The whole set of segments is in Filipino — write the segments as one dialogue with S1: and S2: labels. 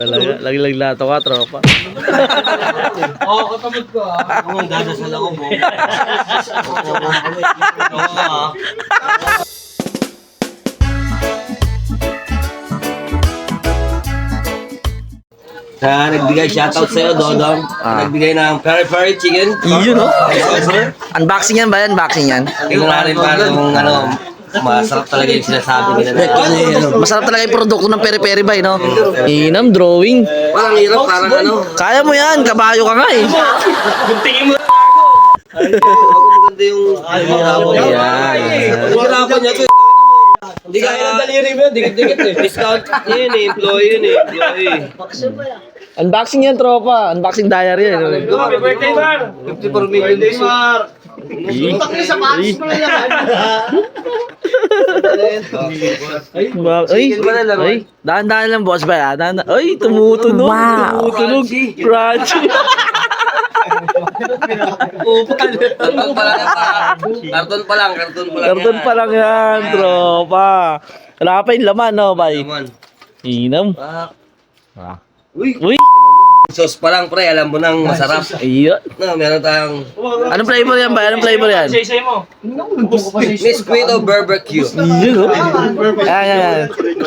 S1: Talaga, lagi-lag lato ka, tropa.
S2: Oo, katamad ko ah.
S3: Ang dadasal ako po. Nagbigay shoutout sa'yo, Dodong. Nagbigay ng peri-peri chicken.
S1: Yun, no?
S3: Sir.
S1: Unboxing yan ba yan? Unboxing yan?
S3: Tingnan natin para kung masarap talaga yung sinasabi nila na.
S1: Masarap talaga yung produkto ng peri-peri ba, no? Inam, drawing.
S3: Parang hirap, parang
S1: Kaya mo yan, kabayo ka nga eh.
S3: Tingin mo maganda yung hapon. Yung hapon niya to. Hindi kaya ng daliri mo yun, dikit-dikit eh. Discount yun eh, employee yun eh, employee.
S1: Unboxing yan, tropa. Unboxing diary yan.
S2: Happy birthday, Mar!
S3: 54 million pesos.
S2: Utang niya sa patis mo na yan.
S1: Ay, dahan-dahan lang, boss ba yan? Ay, tumutunog. Wow. Tumutunog. Crunchy.
S3: Karton pa lang.
S1: Karton pa lang yan, tropa. Wala ka pa yung laman, no, bay? Inam. Uy.
S3: Sauce pa lang, pre. Alam mo nang masarap.
S1: Ayun.
S3: No, meron tayong
S1: Anong flavor yan, bay? Anong flavor yan?
S2: Say mo.
S3: Mosquito Barbecue.
S1: Yun, no? Ayan.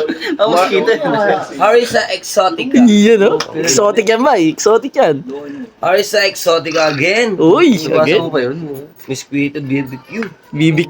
S3: Harissa Exotica.
S1: Yun, no? Exotic yan, bay. Exotic yan.
S3: Harissa Exotica again.
S1: Uy,
S3: Nabasa
S1: again.
S3: mo pa yun? Mosquito BBQ.
S1: BBQ.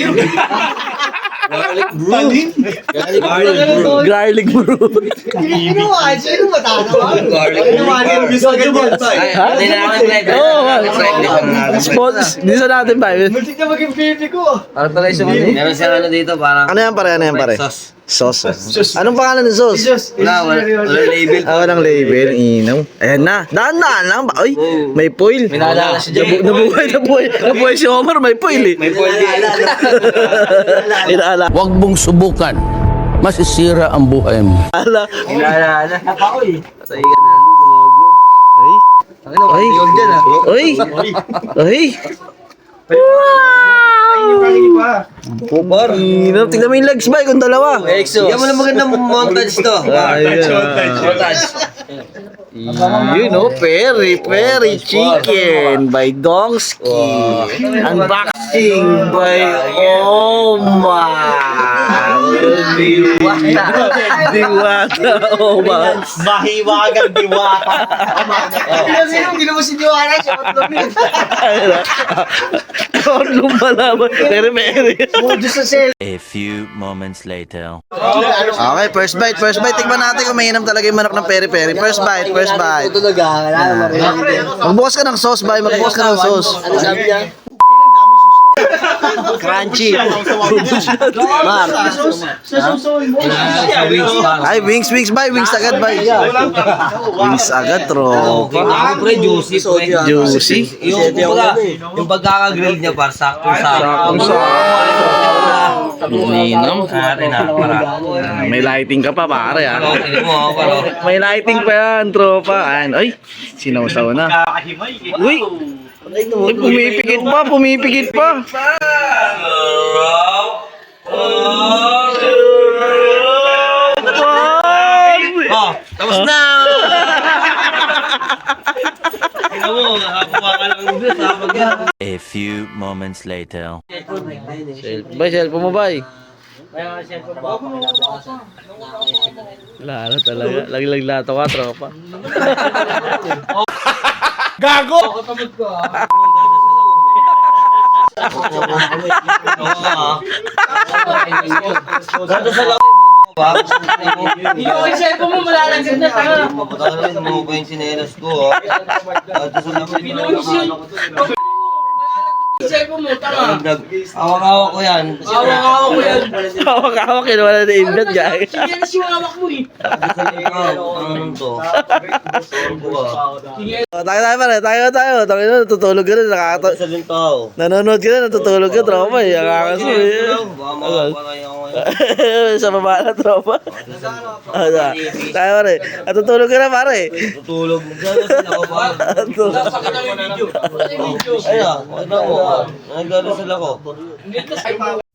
S3: Garlic brew. Garlic brew.
S1: Garlic brew.
S2: Sino matatawa?
S3: Garlic brew. Ay, hindi na ako nag-flavor.
S1: Oo,
S3: Nag-flavor na natin.
S1: Sponsor. Dito sa natin, bay.
S2: Muntik na maging baby ko.
S3: Para pala yung meron siyang ano dito, parang
S1: Ano yan, pare? Ano yan, pare?
S3: sauce.
S1: Sauce. Anong pangalan ng sauce?
S3: Wala label.
S1: Walang label. Inaw. Ayan na. Daan-daan lang ba? Ay, may foil.
S3: May naalala si Jay.
S1: Nabuhay si Omar. May foil eh.
S3: May foil din.
S1: Inaala.
S4: Huwag mong subukan. Masisira ang buhay mo.
S3: Inaalala. Ako eh. Patay ka na.
S1: Ay. Ay.
S3: Yun dyan ah.
S1: Ay. Ay.
S3: Kupar.
S1: Inaw. Tignan mo yung legs ba? Kung dalawa.
S3: Exo. Yan mo na magandang montage to. Montage.
S1: You know, peri chicken by Dongsky. Unboxing by Omar. Diwata Omar.
S2: Mahiwagang diwata. Hindi mo siniwala siya.
S1: Ano malaman? Peri.
S4: A few moments later.
S1: Okay, first bite. Tignan natin kung mainam talaga yung manok ng peri-peri. First bite. Magbukas ka ng sauce, bay. Magbukas ka ng sauce.
S3: Ano sabi niya?
S1: Crunchy. Mar. Ay, wings, bay. Wings agad, bay. Wings agad, tropa.
S3: Ako pre, juicy.
S1: Juicy.
S3: Yung pagkakagrill niya par sakto.
S1: Ninam. May lighting ka pa, pare, ah. May lighting pa yan, tropa. Ay, sinawsaw na. Uy! Ay, pumipikit pa.
S3: Oh, tapos na! Tingnan mo, nakakuha ka lang dito sa pagyan.
S4: A few moments later.
S1: Bay, cellphone mo, bay. Lala talaga. Lagi-lag lato ka, tropa.
S2: Gago! Katamad ko ah.
S3: Dadasal ako.
S2: Hindi ko yung cellphone mo malalagyan na tanga.
S3: Papatagal na mo pa yung sinelas ko. Dadasal ako.
S2: Cellphone mo, tanga.
S3: Awak-awak ko yan.
S2: Awak-awak ko yan.
S1: Hawak-hawak, kinuha na invent, guys.
S2: Sige na siya hawak mo eh.
S3: Ano to?
S1: Tayo, pare. Tayo. Tayo na, natutulog ka na.
S3: Sa din tao.
S1: Nanonood ka na, natutulog ka, tropa. Ang kakaso eh.
S3: Baka makapalay ako ngayon.
S1: Sa baba na, tropa. Tayo, pare. Natutulog ka na, pare.
S3: Tutulog. Dadasal ako ba?
S2: Sakit ang video.
S3: Ayun, wala mo. Nagdadasal ako.